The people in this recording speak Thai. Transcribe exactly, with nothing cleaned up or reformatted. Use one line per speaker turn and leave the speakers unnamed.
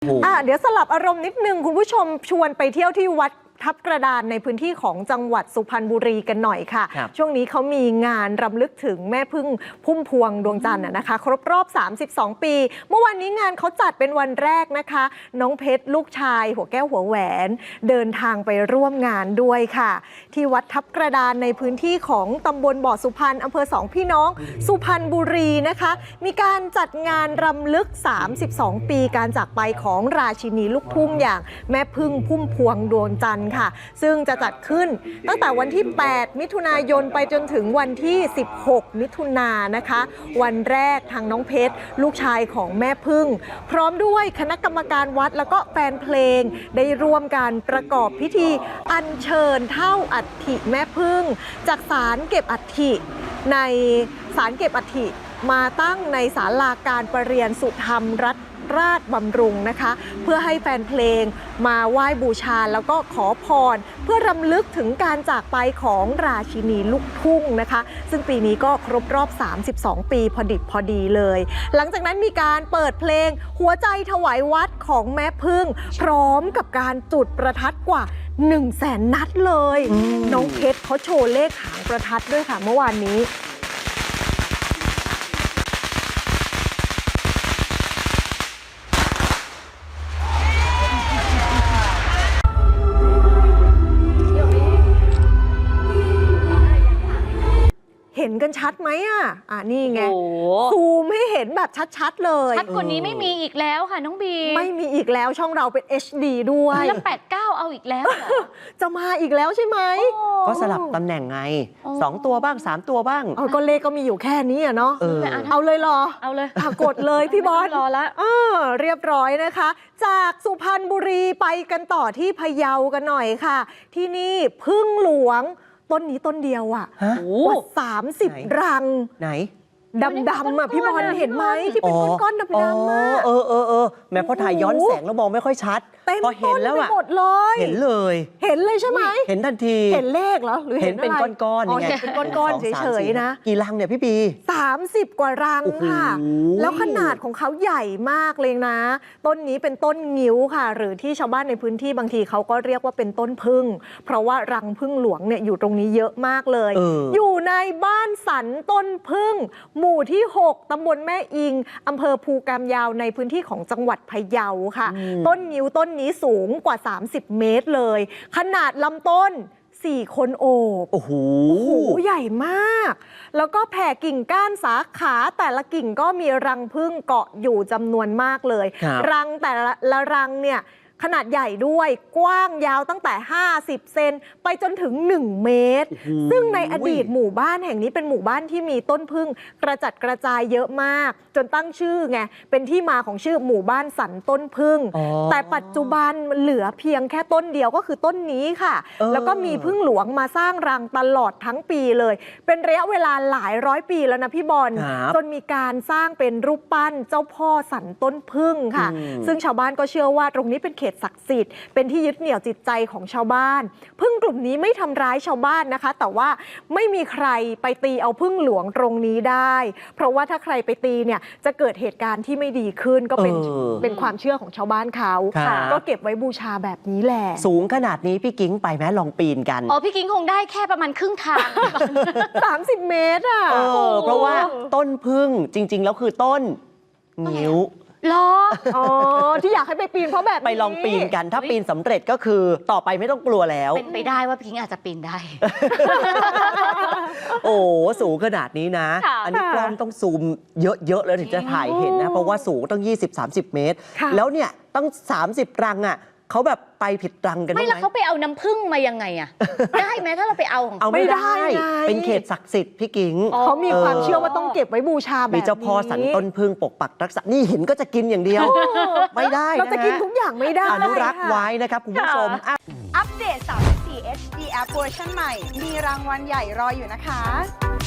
อ่ะเดี๋ยวสลับอารมณ์นิดนึงคุณผู้ชมชวนไปเที่ยวที่วัดทับกระดานในพื้นที่ของจังหวัดสุพรรณบุรีกันหน่อยค่ะช่วงนี้เขามีงานรำลึกถึงแม่พึ่งพุ่มพวงดวงจันทร์นะคะครบรอบสามสิบสองปีเมื่อวานนี้งานเขาจัดเป็นวันแรกนะคะน้องเพชรลูกชายหัวแก้วหัวแหวนเดินทางไปร่วมงานด้วยค่ะที่วัดทับกระดานในพื้นที่ของตำบลบ่อสุพรรณอำเภอสองพี่น้องสุพรรณบุรีนะคะมีการจัดงานรำลึกสามสิบสองปีการจากไปของราชินีลูกทุ่งอย่างแม่พึ่งพุ่มพวงดวงจันทร์ค่ะซึ่งจะจัดขึ้นตั้งแต่วันที่แปดมิถุนายนไปจนถึงวันที่สิบหกมิถุนายนนะคะวันแรกทางน้องเพชรลูกชายของแม่พึ่งพร้อมด้วยคณะกรรมการวัดแล้วก็แฟนเพลงได้ร่วมการประกอบพิธีอัญเชิญเท่าอัฐิแม่พึ่งจากศาลเก็บอัฐิในศาลเก็บอัฐิมาตั้งในศาลาการประเรียนสุธรรมรัตน์ราชบำรุงนะคะเพื่อให้แฟนเพลงมาไหว้บูชาแล้วก็ขอพรเพื่อรำลึกถึงการจากไปของราชินีลูกทุ่งนะคะซึ่งปีนี้ก็ครบรอบสามสิบสองปีพอดิบพอดีเลยหลังจากนั้นมีการเปิดเพลงหัวใจถวายวัดของแม่พึ่งพร้อมกับการจุดประทัดกว่าหนึ่งแสนนัดเลยน้องเพชรเขาโชว์เลขหางประทัดด้วยค่ะเมื่อวานนี้เห็นกันชัดไหมอ่ะอ่ะนี่ไงซูมให้เห็นแบบชัดๆเลย
ชัดกว่านี้ไม่มีอีกแล้วค่ะน้องบี
ไม่มีอีกแล้วช่องเราเป็น เอช ดี ด้วย
แล้วแปดเก้าเอาอีกแล้ว
จะมาอีกแล้วใช่ไหม
ก็สลับตำแหน่งไงสองตัวบ้างสามตัวบ้าง
เอาก็เลขก็มีอยู่แค่นี้อ่ะเนาะ
เออ
เอาเลยเหรอ
เอาเลย
กดเลยพี่บอล
รอละ
เออเรียบร้อยนะคะจากสุพรรณบุรีไปกันต่อที่พะเยากันหน่อยค่ะที่นี่พึ่งหลวงต้นนี้ต้นเดียวอ่ะกว่าสามสิบรัง
ไหน
ดำๆอ่ะพี่บอลเห็นไหมที่เป็นก้อนๆดำๆอ่ะ
เออเออเออแม้พอถ่ายย้อนแสงแล้วมองไม่ค่อยชัดพอเห็นแล้วอ่ะ
หมดเลย
เห็นเลย
เห็นเลยใช่ไหม
เห็นทันที
เห็นเลขเหรอหรือ
เห็นเป็นก้อนๆ
ไงเป็นก้อนๆเฉยๆนะ
กี่รังเนี่ยพี่ปี
สามสิบกว่ารังค่ะแล้วขนาดของเขาใหญ่มากเลยนะต้นนี้เป็นต้นงิ้วค่ะหรือที่ชาวบ้านในพื้นที่บางทีเขาก็เรียกว่าเป็นต้นพึ่งเพราะว่ารังพึ่งหลวงเนี่ยอยู่ตรงนี้เยอะมากเลยอยู่ในบ้านสันต้นพึ่งหมู่ที่หกตำบลแม่อิงอำเภอภูกามยาวในพื้นที่ของจังหวัดพะเยาค่ะต้นงิ้วต้นนี้สูงกว่าสามสิบเมตรเลยขนาดลำต้นสี่คนโอบ
โอ้โห
ใหญ่มากแล้วก็แผ่กิ่งก้านสาขาแต่ละกิ่งก็มีรังผึ้งเกาะอยู่จำนวนมากเลยรังแต่ละรังเนี่ยขนาดใหญ่ด้วยกว้างยาวตั้งแต่ห้าสิบเซนไปจนถึงหนึ่งเมตรซึ่งในอดีตหมู่บ้านแห่งนี้เป็นหมู่บ้านที่มีต้นผึ้งกระจัดกระจายเยอะมากจนตั้งชื่อไงเป็นที่มาของชื่อหมู่บ้านสันต้นผึ้งแต่ปัจจุบันเหลือเพียงแค่ต้นเดียวก็คือต้นนี้ค่ะแล้วก็มีผึ้งหลวงมาสร้างรังตลอดทั้งปีเลยเป็นระยะเวลาหลายร้อยปีแล้วนะพี่บอลจนมีการสร้างเป็นรูปปั้นเจ้าพ่อสันต้นผึ้งค่ะซึ่งชาวบ้านก็เชื่อว่าตรงนี้เป็นเขตศักดิ์สิทธิ์เป็นที่ยึดเหนี่ยวจิตใจของชาวบ้านผึ้งกลุ่มนี้ไม่ทำร้ายชาวบ้านนะคะแต่ว่าไม่มีใครไปตีเอาผึ้งหลวงตรงนี้ได้เพราะว่าถ้าใครไปตีเนี่ยจะเกิดเหตุการณ์ที่ไม่ดีขึ้นก็เป็นเป็นความเชื่อของชาวบ้านเขาก็เก็บไว้บูชาแบบนี้แหละ
สูงขนาดนี้พี่กิ้งไปไหมลองปีนกัน
อ๋อพี่กิ้งคงได้แค่ประมาณครึ่งทาง
สามสิบเมตรอ่ะ
เออเพราะว่าต้นผึ้งจริงๆแล้วคือต้นงิ้ว
หรอ
อ๋อที่อยากให้ไปปีนเพราะแบบ
ไปลองปีนกันถ้าปีนสำเร็จก็คือต่อไปไม่ต้องกลัวแล้ว
เป็นไปได้ว่าพี่กิ้งอาจจะปีนได้
โอ้สูงขนาดนี้นะอันนี้กล้องต้องซูมเยอะๆเลยถึงจะถ่ายเห็นนะเพราะว่าสูงต้อง ยี่สิบถึงสามสิบ เมตรแล้วเนี่ยตั้งสามสิบรังอ่ะเขาแบบไปผิดรังกันไหม
ไม่แล้วเขาไปเอาน้ำผึ้งมายังไงอะได้ไหมถ้าเราไปเอาของ
เอาไม่ได้เป็นเขตศักดิ์สิทธิ์พี่กิ้ง
เขามีความเชื่อว่าต้องเก็บไว้บูชาแบบนี้
มีเจ้าพ่อสันต้นผึ้งปกปักรักษานี่เห็นก็จะกินอย่างเดียวไม่ได้
เราจะกินทุกอย่างไม่ได้
อนุรักษ์ไว้นะครับคุณผู้ชม
อัปเดตสามสิบสี่ เอช ดี App เวอร์ชันใหม่มีรางวัลใหญ่รออยู่นะคะ